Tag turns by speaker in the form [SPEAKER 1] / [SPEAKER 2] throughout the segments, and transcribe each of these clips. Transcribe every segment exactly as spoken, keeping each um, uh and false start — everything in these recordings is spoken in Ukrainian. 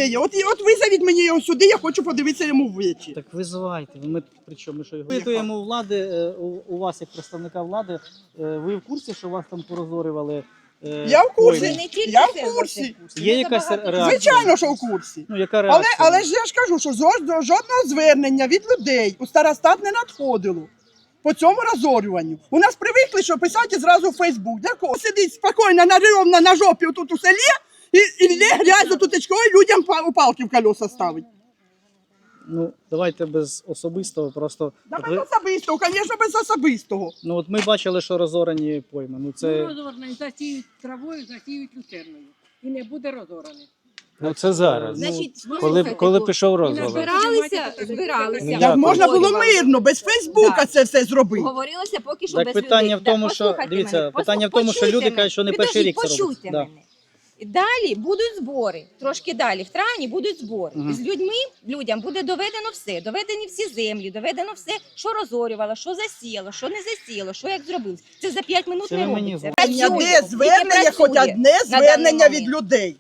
[SPEAKER 1] є. От, от визовіть мені його сюди, я хочу подивитися йому в очі.
[SPEAKER 2] Так визивайте. Ми причому що його питаємо у влади, у, у вас як представника влади. Ви в курсі, що вас там порозорювали?
[SPEAKER 1] Я в курсі.
[SPEAKER 2] Пойми?
[SPEAKER 1] Я в курсі.
[SPEAKER 2] Є якась реакція?
[SPEAKER 1] Звичайно, що в курсі.
[SPEAKER 2] Ну, яка
[SPEAKER 1] Але,
[SPEAKER 2] реакція?
[SPEAKER 1] але ж я ж кажу, що жодного звернення від людей у старостат не надходило по цьому розорюванню. У нас привикли, що писати зразу в Фейсбук. Для кого? Сидить спокійно на рівно на жопі тут у селі і, і лє грязю тутечкою людям у палки в колеса ставить.
[SPEAKER 2] Ну, давайте без особистого, просто...
[SPEAKER 1] Да
[SPEAKER 2] от
[SPEAKER 1] без
[SPEAKER 2] ви...
[SPEAKER 1] особистого, звісно, без особистого.
[SPEAKER 2] Ну, от ми бачили, що розорені пойми. Ну, це...
[SPEAKER 3] Ну, розорені, засіють травою, засіють люцерною. І не буде розорений.
[SPEAKER 4] Ну це зараз.
[SPEAKER 5] Значить,
[SPEAKER 4] Коли, коли пішов
[SPEAKER 3] І
[SPEAKER 4] розговор.
[SPEAKER 5] збиралися, збиралися.
[SPEAKER 4] Ну,
[SPEAKER 1] Як
[SPEAKER 4] як
[SPEAKER 1] можна було
[SPEAKER 5] Говорили.
[SPEAKER 1] мирно, без Фейсбука
[SPEAKER 5] Так.
[SPEAKER 1] це все зробити.
[SPEAKER 5] Говорилося поки що
[SPEAKER 2] Так
[SPEAKER 5] без
[SPEAKER 2] питання
[SPEAKER 5] людей.
[SPEAKER 2] в тому,
[SPEAKER 5] Так,
[SPEAKER 2] що-
[SPEAKER 5] послухайте
[SPEAKER 2] дивіться,
[SPEAKER 5] мене,
[SPEAKER 2] питання в
[SPEAKER 5] послух-
[SPEAKER 2] тому, що люди
[SPEAKER 5] почуйте
[SPEAKER 2] кажуть, що не
[SPEAKER 5] мене.
[SPEAKER 2] перший рік це
[SPEAKER 5] Підождіть,
[SPEAKER 2] робиться.
[SPEAKER 5] почуйте
[SPEAKER 2] Да.
[SPEAKER 5] мене. Далі будуть збори, трошки далі, в травні будуть збори.
[SPEAKER 2] Мгм.
[SPEAKER 5] З людьми, людям буде доведено все, доведені всі землі, доведено все, що розорювало, що засіяло, що не засіяло, що як зробилось. Це за п'ять минут
[SPEAKER 2] Це
[SPEAKER 5] не
[SPEAKER 2] ви мені
[SPEAKER 5] робиться.
[SPEAKER 1] Звернення,
[SPEAKER 5] Працює,
[SPEAKER 1] де
[SPEAKER 5] тільки
[SPEAKER 1] звернення, хоч
[SPEAKER 5] працює
[SPEAKER 1] одне
[SPEAKER 5] на даний
[SPEAKER 1] звернення від
[SPEAKER 5] момент.
[SPEAKER 1] людей.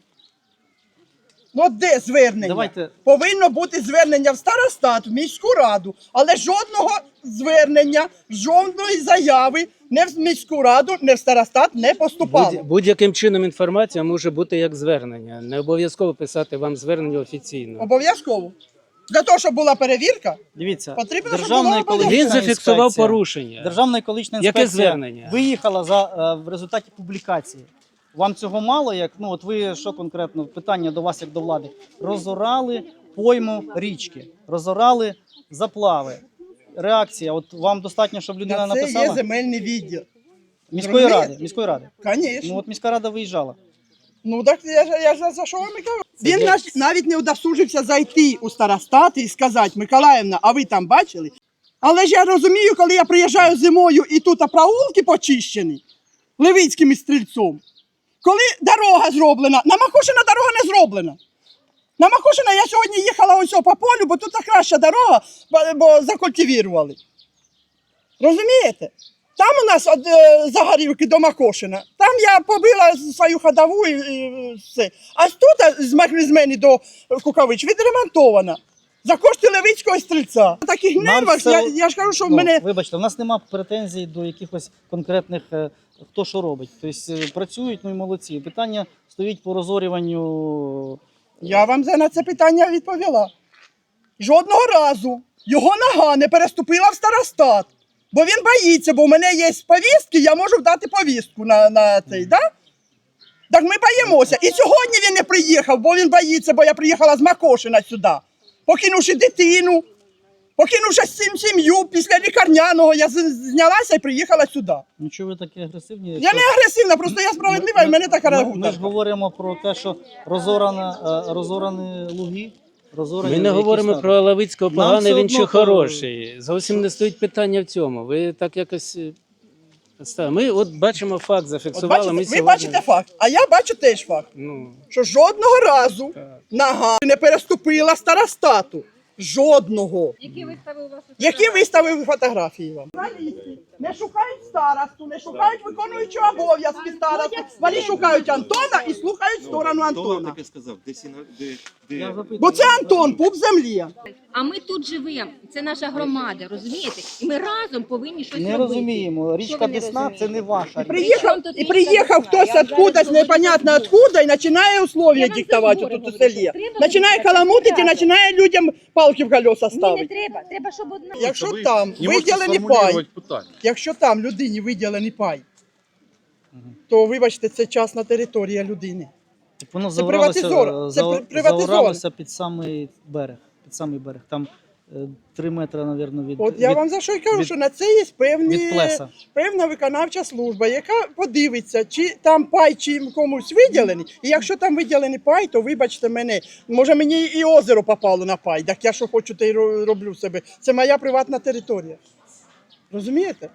[SPEAKER 1] Ну от де звернення?
[SPEAKER 2] Давайте-
[SPEAKER 1] Повинно бути звернення в старостат, в міську раду, але жодного звернення, жодної заяви не в міську раду, не в старостат не поступало.
[SPEAKER 4] Будь- Будь-яким чином інформація може бути як звернення. Не обов'язково писати вам звернення офіційно.
[SPEAKER 1] Обов'язково. Для того, щоб була перевірка,
[SPEAKER 2] Дивіться,
[SPEAKER 1] Потрібно, щоб
[SPEAKER 2] Державна
[SPEAKER 1] було
[SPEAKER 2] екологічна
[SPEAKER 4] Він зафіксував
[SPEAKER 2] інспекція-
[SPEAKER 4] порушення.
[SPEAKER 2] Державна екологічна
[SPEAKER 4] Яке
[SPEAKER 2] інспекція
[SPEAKER 4] звернення?
[SPEAKER 2] виїхала за, е, в результаті публікації. Вам цього мало? Як, ну, от ви що конкретно, питання до вас як до влади. Розорали пойму річки, розорали заплави. Реакція, от вам достатньо, щоб людина
[SPEAKER 1] на це є
[SPEAKER 2] написала?
[SPEAKER 1] земельний відділ.
[SPEAKER 2] Міської
[SPEAKER 1] Розумієте?
[SPEAKER 2] ради, міської ради.
[SPEAKER 1] Звісно.
[SPEAKER 2] Ну от міська рада виїжджала.
[SPEAKER 1] Ну так я ж я ж за що вам і кажу. Він наш, навіть не удосужився зайти у старостат і сказати: Миколаївна, а ви там бачили? Але ж я розумію, коли я приїжджаю зимою і тут проулки почищені Левицьким і Стрільцом, коли дорога зроблена, на Макушина дорога не зроблена. На Макушина я сьогодні їхала ось по полю, бо тут краща дорога, бо, бо закультивірували. Розумієте? Там у нас від е, Загорівки до Макошина. Там я побила свою ходову і, і все. А тут з Макрізмені до Кукавич відремонтована. За кошти Левицького і Стрільця. На таких
[SPEAKER 2] Нам
[SPEAKER 1] нервах,
[SPEAKER 2] все-
[SPEAKER 1] я, я ж кажу, що в
[SPEAKER 2] Ну,
[SPEAKER 1] мене...
[SPEAKER 2] Вибачте, у нас немає претензій до якихось конкретних, е, хто що робить. Тобто е, працюють, ну і молодці. Питання стоїть по розорюванню.
[SPEAKER 1] Я вам за- на це питання відповіла. Жодного разу його нога не переступила в старостат. Бо він боїться, бо в мене є повістки, я можу дати повістку на, на цей, да? Так ми боїмося. І сьогодні він не приїхав, бо він боїться, бо я приїхала з Макошина сюди. Покинувши дитину, покинувши сім- сім'ю після лікарняного, я з- знялася і приїхала сюди.
[SPEAKER 2] Ну чого ви такі агресивні?
[SPEAKER 1] Я
[SPEAKER 2] Якщо-
[SPEAKER 1] не агресивна, просто я справедлива, і в мене така
[SPEAKER 2] ми,
[SPEAKER 1] реагує.
[SPEAKER 2] ми ж говоримо про те, що розорана, е, розорані луги. Розорані
[SPEAKER 4] Ми не
[SPEAKER 2] які
[SPEAKER 4] говоримо
[SPEAKER 2] стали.
[SPEAKER 4] про Лавицького
[SPEAKER 2] Нам
[SPEAKER 4] поганий,
[SPEAKER 2] все
[SPEAKER 4] він чи
[SPEAKER 2] одно,
[SPEAKER 4] хороший. Зовсім не стоїть питання в цьому. Ви так якось... е, ста- Ми от бачимо факт,
[SPEAKER 1] От
[SPEAKER 4] зафіксували.
[SPEAKER 1] бачите,
[SPEAKER 4] Ми
[SPEAKER 1] ви
[SPEAKER 4] сьогодні...
[SPEAKER 1] бачите факт, а я бачу теж факт.
[SPEAKER 4] Ну,
[SPEAKER 1] Що жодного разу нога не переступила старостату. Жодного.
[SPEAKER 3] Які виставив вас?
[SPEAKER 1] Які виставив фотографії вам? Не шукають старосту, не шукають виконуючого обов'язки старосту. Вони шукають Антона і слухають сторону
[SPEAKER 6] Хто вам
[SPEAKER 1] Антона.
[SPEAKER 6] таке сказав? Де сіна... де, де...
[SPEAKER 2] Я запитую.
[SPEAKER 1] Бо це Антон, пуп землі.
[SPEAKER 7] А ми тут живемо, це наша громада, розумієте? І ми разом повинні щось
[SPEAKER 2] Не
[SPEAKER 7] робити.
[SPEAKER 2] розуміємо. Річка
[SPEAKER 7] ви не
[SPEAKER 2] Десна це
[SPEAKER 7] розумієте?
[SPEAKER 2] не ваша річка.
[SPEAKER 1] Приїхав,
[SPEAKER 7] тут
[SPEAKER 1] і
[SPEAKER 7] річка
[SPEAKER 1] приїхав
[SPEAKER 7] Десна?
[SPEAKER 1] хтось
[SPEAKER 7] Я вам
[SPEAKER 1] откудась,
[SPEAKER 7] зараз
[SPEAKER 1] непонятно
[SPEAKER 7] говорю.
[SPEAKER 1] откуда, і починає условия
[SPEAKER 7] Я вам
[SPEAKER 1] диктувати
[SPEAKER 7] за збори
[SPEAKER 1] тут у
[SPEAKER 7] говорю,
[SPEAKER 1] селі.
[SPEAKER 7] треба
[SPEAKER 1] Починає
[SPEAKER 7] вибирати
[SPEAKER 1] каламутити,
[SPEAKER 7] ребята.
[SPEAKER 1] починає людям палки в колеса
[SPEAKER 7] Ні, не
[SPEAKER 1] ставити.
[SPEAKER 7] треба, треба, щоб одна.
[SPEAKER 1] Якщо
[SPEAKER 6] Ви
[SPEAKER 1] там
[SPEAKER 6] не можете
[SPEAKER 1] виділений пай,
[SPEAKER 6] сформулювати питання.
[SPEAKER 1] якщо там людині виділений пай, то, вибачте, це частна територія людини.
[SPEAKER 2] Так воно
[SPEAKER 1] Це
[SPEAKER 2] заоралося,
[SPEAKER 1] приватизовано. Це
[SPEAKER 2] за-
[SPEAKER 1] при- приватизовано.
[SPEAKER 2] заоралося під самий берег. Під самий берег. Там е, три метри, мабуть, від,
[SPEAKER 1] От я
[SPEAKER 2] від,
[SPEAKER 1] вам за що й кажу,
[SPEAKER 2] від-
[SPEAKER 1] що на це є певні,
[SPEAKER 2] від плеса.
[SPEAKER 1] певна виконавча служба, яка подивиться, чи там пай чи комусь виділений. І якщо там виділений пай, то вибачте мене, може мені і озеро попало на пай, так я що хочу, те й ро- роблю себе. Це моя приватна територія. Розумієте?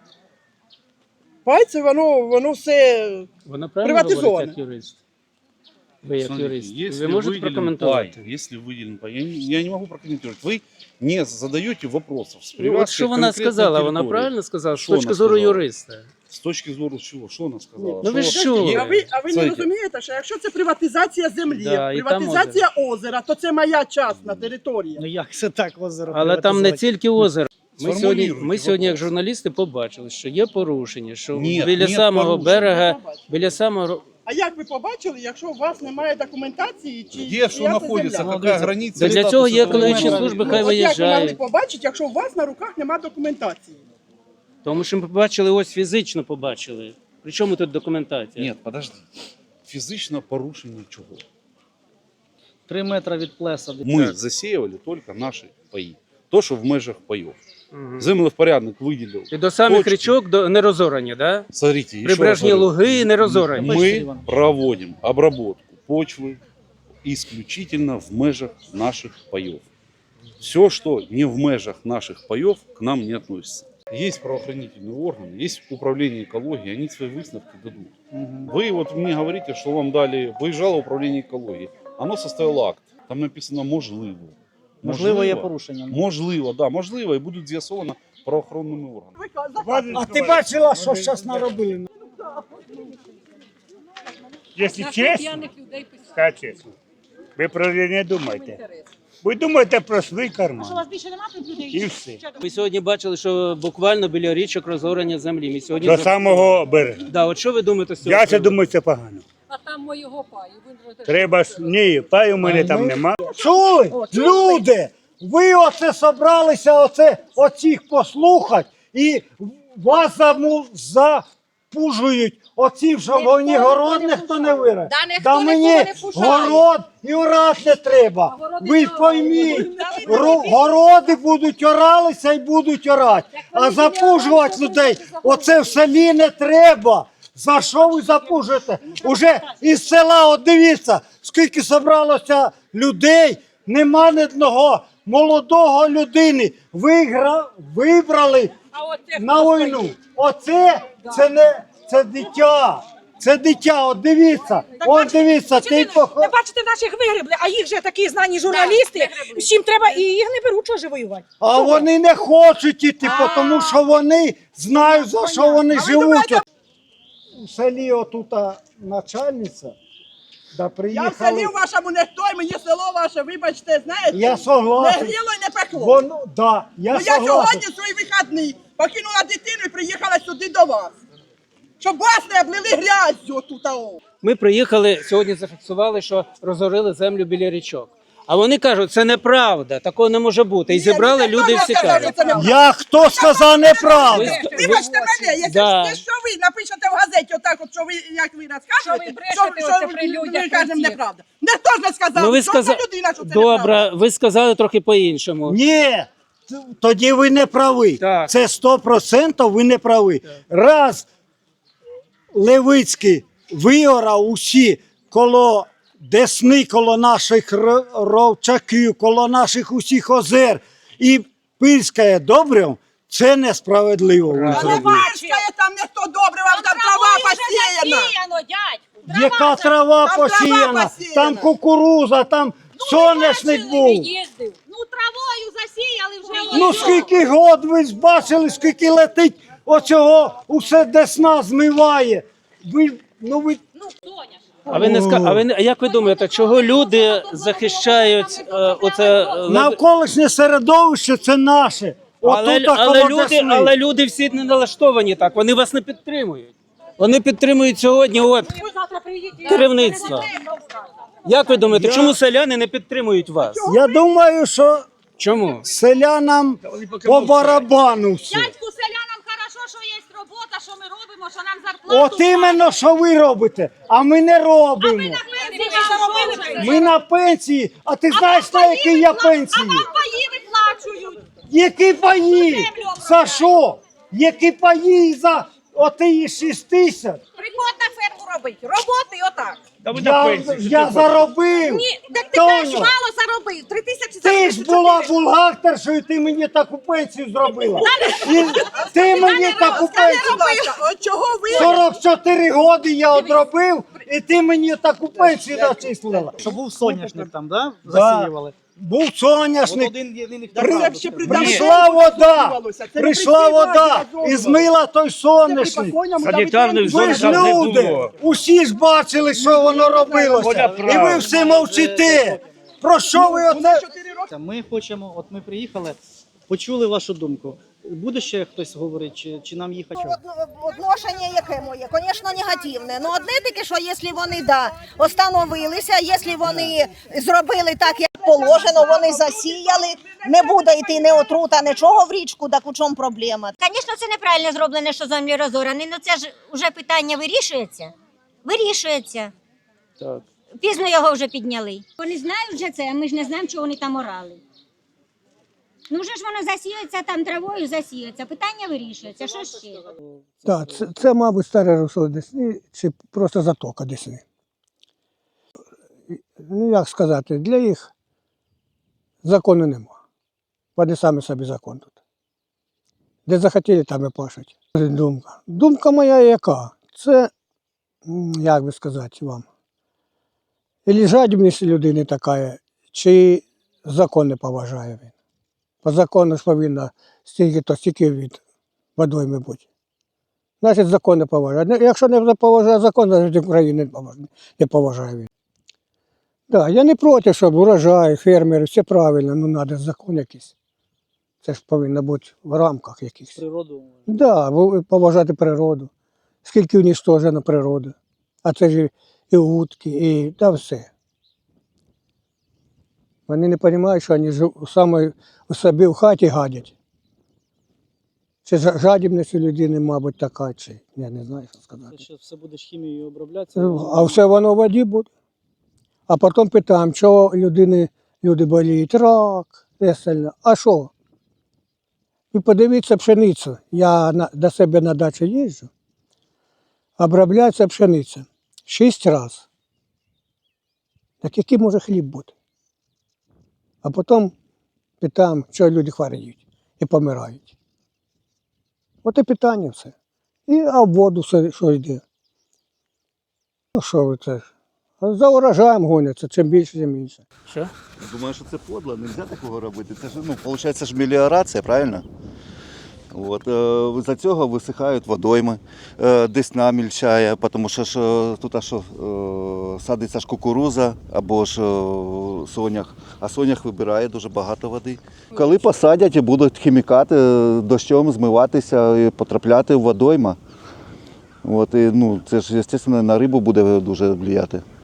[SPEAKER 1] Пай це воно, воно все.
[SPEAKER 4] вона правильно
[SPEAKER 1] Приватизовано.
[SPEAKER 4] говорить, як юрист? Ви як
[SPEAKER 6] Смотрите,
[SPEAKER 4] юрист.
[SPEAKER 6] если
[SPEAKER 4] Ви можете
[SPEAKER 6] выделен
[SPEAKER 4] прокоментувати?
[SPEAKER 6] пай, если выделен пай, я, не- я не могу прокомментировать. Вы не задаете вопросов с
[SPEAKER 4] Ну,
[SPEAKER 6] привязкой
[SPEAKER 4] от що
[SPEAKER 6] к
[SPEAKER 4] вона
[SPEAKER 6] конкретной
[SPEAKER 4] сказала, вона
[SPEAKER 6] территории.
[SPEAKER 4] правильно сказала, з
[SPEAKER 6] Що
[SPEAKER 4] точки
[SPEAKER 6] вона
[SPEAKER 4] зору
[SPEAKER 6] сказала?
[SPEAKER 4] юриста.
[SPEAKER 6] С точки зору чего? Что она сказала?
[SPEAKER 4] Ну ви
[SPEAKER 6] Что-
[SPEAKER 4] що?
[SPEAKER 1] А ви, а ви не
[SPEAKER 6] Смотрите,
[SPEAKER 1] розумієте, що якщо це приватизація землі,
[SPEAKER 4] Да, і там
[SPEAKER 1] приватизація озера, то це моя частна територія.
[SPEAKER 2] Ну як це так озеро?
[SPEAKER 4] Але там не
[SPEAKER 2] приватизувати?
[SPEAKER 4] тільки озеро. Ми сьогодні,
[SPEAKER 6] Сформулюйте
[SPEAKER 4] ми сьогодні, як
[SPEAKER 6] вопрос.
[SPEAKER 4] журналісти, побачили, що є порушення, що
[SPEAKER 6] Ні,
[SPEAKER 4] біля
[SPEAKER 6] ні
[SPEAKER 4] самого
[SPEAKER 6] порушень.
[SPEAKER 4] берега, біля самого
[SPEAKER 1] А як ви побачили, якщо у вас немає документації, чи
[SPEAKER 6] Где
[SPEAKER 1] чия
[SPEAKER 6] что
[SPEAKER 1] це
[SPEAKER 6] находится,
[SPEAKER 1] земля?
[SPEAKER 6] какая граница?
[SPEAKER 4] Да для
[SPEAKER 2] Статус
[SPEAKER 4] цього є
[SPEAKER 2] этого
[SPEAKER 4] екологічні
[SPEAKER 2] моменту.
[SPEAKER 4] служби,
[SPEAKER 1] Ну,
[SPEAKER 4] хай
[SPEAKER 1] от як ви могли
[SPEAKER 4] виїжджають.
[SPEAKER 1] побачити, якщо у вас на руках немає документації?
[SPEAKER 4] Тому що ми побачили, ось фізично побачили. При чому тут документація?
[SPEAKER 6] Нет, подожди. Физично порушение чего?
[SPEAKER 2] Три метри від плеса.
[SPEAKER 6] Мы засеивали только наши паи. То, что в межах паев.
[SPEAKER 4] Мгм.
[SPEAKER 6] Землевпорядник выделил.
[SPEAKER 4] І до самих
[SPEAKER 6] точки.
[SPEAKER 4] річок до не розорані, да?
[SPEAKER 6] Смотрите, еще
[SPEAKER 4] Прибережні
[SPEAKER 6] раз говорю,
[SPEAKER 4] луги не розорані.
[SPEAKER 6] мы проводим обработку почвы исключительно в межах наших паев. Все, что не в межах наших паев, к нам не относится. Есть правоохранительные органы, есть управление экологии, они свои выставки дадут.
[SPEAKER 2] Мгм.
[SPEAKER 6] Вы вот мне говорите, что вам дали, выезжало управление экологии. Оно составило акт. Там написано «можливо».
[SPEAKER 2] Можливо, є порушення.
[SPEAKER 6] Можливо, да, можливо, і будуть з'ясовано правоохоронними органами.
[SPEAKER 8] А ти бачила, що зараз наробили? Якщо
[SPEAKER 3] На
[SPEAKER 8] чесно,
[SPEAKER 3] п'яних людей писати.
[SPEAKER 8] скажу чесно, ви про це не думайте. Ви думаєте про свій карман. І все.
[SPEAKER 4] Ми сьогодні бачили, що буквально біля річок розорення землі. Ми сьогодні
[SPEAKER 8] До
[SPEAKER 4] за-
[SPEAKER 8] самого берега.
[SPEAKER 4] Да, от що ви думаєте з цього?
[SPEAKER 8] Я це
[SPEAKER 4] приводу?
[SPEAKER 8] думаю, це погано.
[SPEAKER 3] А там моєго паю. Він же
[SPEAKER 8] Треба ж, ні, паю в мене там нема.
[SPEAKER 9] Чули? Люди, ви оце собралися оце, оцих послухати і вас заму, запужують оці, що вони город ніхто не вирає.
[SPEAKER 5] Да, ніхто
[SPEAKER 9] Да
[SPEAKER 5] нікого
[SPEAKER 9] мені
[SPEAKER 5] не пужає.
[SPEAKER 9] город і орати не треба. Ви пойміть, ру- городи будуть оралися і будуть орати. А запужувати людей, оце в селі не треба. За що ви запужуєте? Уже із села, от дивіться, скільки зібралося людей, нема ні одного молодого людини. Вигра... Вибрали
[SPEAKER 3] А оце
[SPEAKER 9] на
[SPEAKER 3] хто
[SPEAKER 9] війну.
[SPEAKER 3] стоїть?
[SPEAKER 9] Оце, це не, це дитя. Це дитя, от дивіться, от дивіться, ти похо...
[SPEAKER 10] Не бачите, наших вигребли, а їх же такі знані журналісти, всім треба, і їх не беруть, що ж воювати.
[SPEAKER 9] А вони не хочуть іти, тому що вони знають, за що вони живуть. У селі отута начальниця, да
[SPEAKER 1] Я в
[SPEAKER 9] приїхали.
[SPEAKER 1] селі вашому не той, мені село ваше, вибачте, знаєте,
[SPEAKER 9] Я
[SPEAKER 1] не
[SPEAKER 9] согласен.
[SPEAKER 1] гріло і не пекло.
[SPEAKER 9] Воно, да, я
[SPEAKER 1] Ну я
[SPEAKER 9] согласен.
[SPEAKER 1] сьогодні свої вихідні покинула дитину і приїхала сюди до вас. Щоб вас не облили грязю тут.
[SPEAKER 4] Ми приїхали, сьогодні зафіксували, що розорили землю біля річок. А вони кажуть, це неправда, такого не може бути. І зібрали люди всі кажуть.
[SPEAKER 9] Я хто сказав неправду?
[SPEAKER 4] Ви-
[SPEAKER 1] Вибачте мене, якщо
[SPEAKER 4] Да.
[SPEAKER 1] що ви напишете в газеті отак, от, що ви, як ви розказуєте,
[SPEAKER 3] Що ви брешете оце при людях
[SPEAKER 1] ми кажемо
[SPEAKER 3] всіх.
[SPEAKER 1] неправда. Ніхто ж не сказав,
[SPEAKER 4] Ну ви
[SPEAKER 1] що
[SPEAKER 4] сказали,
[SPEAKER 1] це людина, що це неправда.
[SPEAKER 4] добре, ви сказали трохи по-іншому.
[SPEAKER 9] Ні, т- тоді ви не праві.
[SPEAKER 4] Так.
[SPEAKER 9] Це сто відсотків ви не праві. Раз Левицький виорав усі коло Десни, коло наших р- ровчаків, коло наших усіх озер і пильськає добре, це несправедливо. ви
[SPEAKER 1] А не
[SPEAKER 9] зробили.
[SPEAKER 1] пирскає там ніхто добре, вам там трава посіяна.
[SPEAKER 10] дядь.
[SPEAKER 9] Яка трава
[SPEAKER 1] Там трава
[SPEAKER 9] посіяна,
[SPEAKER 1] посіяна.
[SPEAKER 9] там кукуруза, там соняшник був.
[SPEAKER 10] їздив. Ну, травою засіяли вже.
[SPEAKER 9] Ну скільки год ви ж бачили, скільки летить оцього, усе Десна змиває. Ви, ну ви...
[SPEAKER 4] А ви не ска... а ви не... а як ви думаєте, чого люди захищають е, оце е, лев-
[SPEAKER 9] Навколишнє середовище це наше.
[SPEAKER 4] але,
[SPEAKER 9] Отут
[SPEAKER 4] але,
[SPEAKER 9] коло
[SPEAKER 4] люди,
[SPEAKER 9] Десни.
[SPEAKER 4] але люди всі не налаштовані так, вони вас не підтримують. Вони підтримують сьогодні от
[SPEAKER 10] Завтра приїдете.
[SPEAKER 4] керівництво. Як ви думаєте,
[SPEAKER 9] Я-
[SPEAKER 4] чому селяни не підтримують вас?
[SPEAKER 9] Я думаю, що
[SPEAKER 4] Чому?
[SPEAKER 9] селянам по барабану все.
[SPEAKER 10] Дядьку, селянам хорошо, що є робота, що ми робимо, що нам зарплату.
[SPEAKER 9] От іменно, що ви робите, а ми не робимо.
[SPEAKER 10] пенсії заробили.
[SPEAKER 9] Ми на пенсії, а ти знаєш, на якій я пенсії?
[SPEAKER 10] А вам паї виплачують.
[SPEAKER 9] Які паї? За що? Які паї за оті шість тисяч?
[SPEAKER 10] Приходь на ферму робити. Роботи отак.
[SPEAKER 9] Я, я заробив.
[SPEAKER 10] Ні, так ти
[SPEAKER 9] Тоню,
[SPEAKER 10] кажеш, мало заробив. Три тисячі
[SPEAKER 9] ти
[SPEAKER 10] заробив.
[SPEAKER 9] ж була бухгалтершою, ти мені таку пенсію зробила. І ти мені таку пенсію.
[SPEAKER 1] Будь ласка, от чого ви?
[SPEAKER 9] сорок чотири роки я одробив, і ти мені таку пенсію начислила.
[SPEAKER 2] Що був соняшник там, да?
[SPEAKER 9] Да.
[SPEAKER 2] Засіювали.
[SPEAKER 9] був
[SPEAKER 2] От
[SPEAKER 9] соняшник,
[SPEAKER 2] один єдиний
[SPEAKER 1] Так
[SPEAKER 9] При-
[SPEAKER 1] це ще при
[SPEAKER 9] прийшла
[SPEAKER 1] Давидові
[SPEAKER 9] вода,
[SPEAKER 1] розорювалося. Це не
[SPEAKER 9] прийшла
[SPEAKER 1] при цій владі
[SPEAKER 9] вода і
[SPEAKER 1] розорювалося.
[SPEAKER 9] змила той
[SPEAKER 1] Це при
[SPEAKER 9] соняшник.
[SPEAKER 1] покойному
[SPEAKER 8] Санітарних
[SPEAKER 1] Давидові
[SPEAKER 9] Ви ж
[SPEAKER 8] зон там не
[SPEAKER 9] люди,
[SPEAKER 8] було.
[SPEAKER 9] усі ж бачили, що воно робилося.
[SPEAKER 8] Воля
[SPEAKER 9] І ви
[SPEAKER 8] правда.
[SPEAKER 9] всі мовчите. Про що ви
[SPEAKER 1] Вона
[SPEAKER 9] оце?
[SPEAKER 1] чотири роки.
[SPEAKER 2] Ми хочемо, от ми приїхали, почули вашу думку. Буде ще хтось говорити, чи, чи нам їхати?
[SPEAKER 10] Отношення яке моє? Звісно, негативне. Ну, одне таке, що якщо вони да, остановилися, якщо вони зробили так, як положено, вони засіяли, не буде йти ні отрута, нічого в річку, так у чому проблема?
[SPEAKER 5] Звісно, це неправильно зроблено, що землі розорані, але це ж вже питання вирішується. Вирішується.
[SPEAKER 4] Так.
[SPEAKER 5] Пізно його вже підняли. Вони знають вже це, а ми ж не знаємо, чого вони там орали. Ну вже ж воно засіюється там травою, засіюється. Питання вирішується. Що ще?
[SPEAKER 9] Так, це, це, мабуть, старе русло Десни, чи просто затока Десни. Ну, як сказати, для їх закону нема. Вони самі собі закон тут. Де захотіли, там і пашуть. Думка. Думка моя яка? Це, м, як би сказати вам, і жадібність людини така, чи закон не поважає він. По закону ж повинно стільки-то стільки від водойми бути. Значить, закон не поважає. Не- Якщо не поважає закон, значить України не поважає, не поважає він. Да, я не проти, щоб урожай, фермери, все правильно, ну треба закон якийсь. Це ж повинно бути в рамках якихось.
[SPEAKER 2] Природу.
[SPEAKER 9] Да, ви- поважати природу. Скільки уніштожено природи. А це ж і утки, і та все. Вони не розуміють, що вони жу- саме у собі в хаті гадять. Це жа- жадібність у людини, мабуть, така, чи я не знаю, що сказати.
[SPEAKER 2] Це ще все буде ж хімією оброблятися.
[SPEAKER 9] А все воно в воді буде. А потім питаємо, чого людини, люди боліють, рак, і остальне. А що? Ви подивіться пшеницю. Я на, до себе на дачу їжджу, обробляється пшениця шість разів. Так який може хліб бути? А потім питаємо, чого люди хворіють і помирають. От і питання все. І а в воду все, що йде. Ну що ви це? За урожаєм гоняться, чим більше, тим більше.
[SPEAKER 4] Що?
[SPEAKER 11] Думаю, що це подло, не можна такого робити. Це ж, ну, виходить, ж меліорація, правильно? От, е, за цього висихають водойми, е, Десна мільчає, тому що ж, е, тут аж, е, садиться ж кукуруза або ж е, сонях, а сонях вибирає дуже багато води. Коли посадять і будуть хімікати, е, дощом змиватися і потрапляти в водойма, от, і, ну, це ж, звісно, на рибу буде дуже впливати.